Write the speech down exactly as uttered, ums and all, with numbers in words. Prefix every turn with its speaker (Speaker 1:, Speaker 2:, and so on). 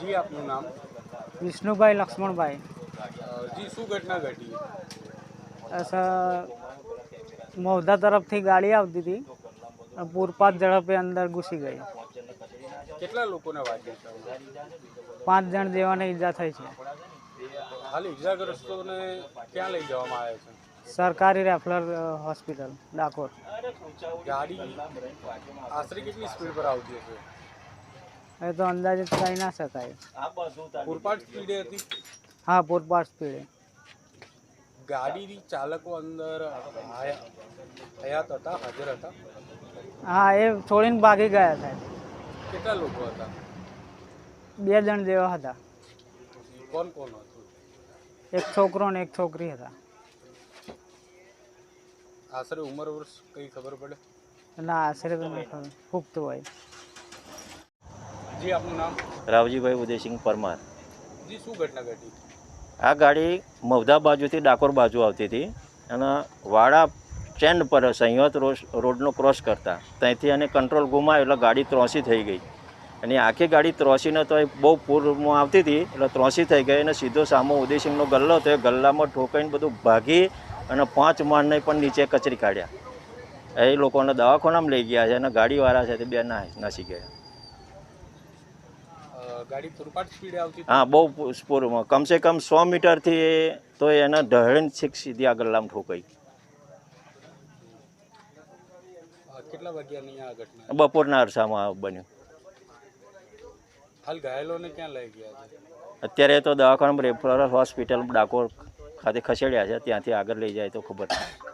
Speaker 1: જી આપનું નામ?
Speaker 2: વિષ્ણુભાઈ લક્ષ્મણભાઈ.
Speaker 1: જી શું ઘટના ઘટી?
Speaker 2: મૌધા તરફથી ગાડી આવતી હતી, પૂરપાટ ઝડપે અંદર ઘૂસી ગઈ.
Speaker 1: કેટલા લોકોને વાગ્યા છે?
Speaker 2: પાંચ જણ જેવાને ઈજા થઈ છે.
Speaker 1: હાલ ઈજાગ્રસ્તોને ક્યાં લઈ જવામાં આવે છે?
Speaker 2: સરકારી રેફરલ હોસ્પિટલ ડાકોર.
Speaker 1: ગાડી આશરે કેટલી સ્પીડ પર આવતી હશે?
Speaker 2: એ તો અંદાજિત કહી ના શકાય.
Speaker 1: પૂરપાટ સ્પીડે હતી?
Speaker 2: હા, પૂરપાટ સ્પીડે.
Speaker 1: ગાડી ચાલકો અંદર હયાત હતા, હાજર હતા?
Speaker 2: હા, એ છોડીને ભાગી ગયા સાહેબ.
Speaker 1: કેટલા લોકો હતા?
Speaker 2: બે જણ જેવા હતા.
Speaker 1: કોણ કોણ હતું?
Speaker 2: એક છોકરો ને એક છોકરી હતા.
Speaker 1: આશરે ઉંમર વર્ષ કઈ ખબર પડે?
Speaker 2: ના, આશરે તો નહીં ખબર, પુખ્ત હોય.
Speaker 1: જી આપનું નામ?
Speaker 3: રાવજીભાઈ ઉદયસિંહ પરમાર.
Speaker 1: જી શું ઘટના ઘટી?
Speaker 3: આ ગાડી મૌધા બાજુથી ડાકોર બાજુ આવતી હતી અને વાડા સ્ટેન્ડ પર સંયત રોડનો ક્રોસ કરતા ત્યાંથી એને કંટ્રોલ ગુમાવ્યો એટલે ગાડી ત્રોસી થઈ ગઈ. અને આખી ગાડી ત્રોસીને તો એ બહુ પૂરમાં આવતી હતી એટલે ત્રોસી થઈ ગઈ અને સીધો સામો ઉદયસિંહનો ગલ્લો હતો એ ગલ્લામાં ઠોકાઈને બધું ભાગી અને પાંચ માળને પણ નીચે કચરી કાઢ્યા. એ લોકોને દવાખાનામાં લઈ ગયા છે અને ગાડીવાળા છે તે બે ના નાસી ગયા.
Speaker 1: ગાડી પૂરપાટ સ્પીડે આવતી?
Speaker 3: હા, બહુ સ્પોરમાં, કમસે કમ સો મીટરથી તો એના ઢળણ છેક સીધી આ ગલ્લામાં ઠોકાઈ.
Speaker 1: કેટલા વાગ્યાની આ ઘટના?
Speaker 3: બપોરના અરસામાં બન્યું.
Speaker 1: હાલ ઘાયલોને ક્યાં લઈ ગયા છે?
Speaker 3: અત્યારે તો દવાખાનામાં રેફરલ હોસ્પિટલ ડાકોર ખાતે ખસેડ્યા છે, ત્યાંથી આગળ લઈ જાય તો ખબર નહીં.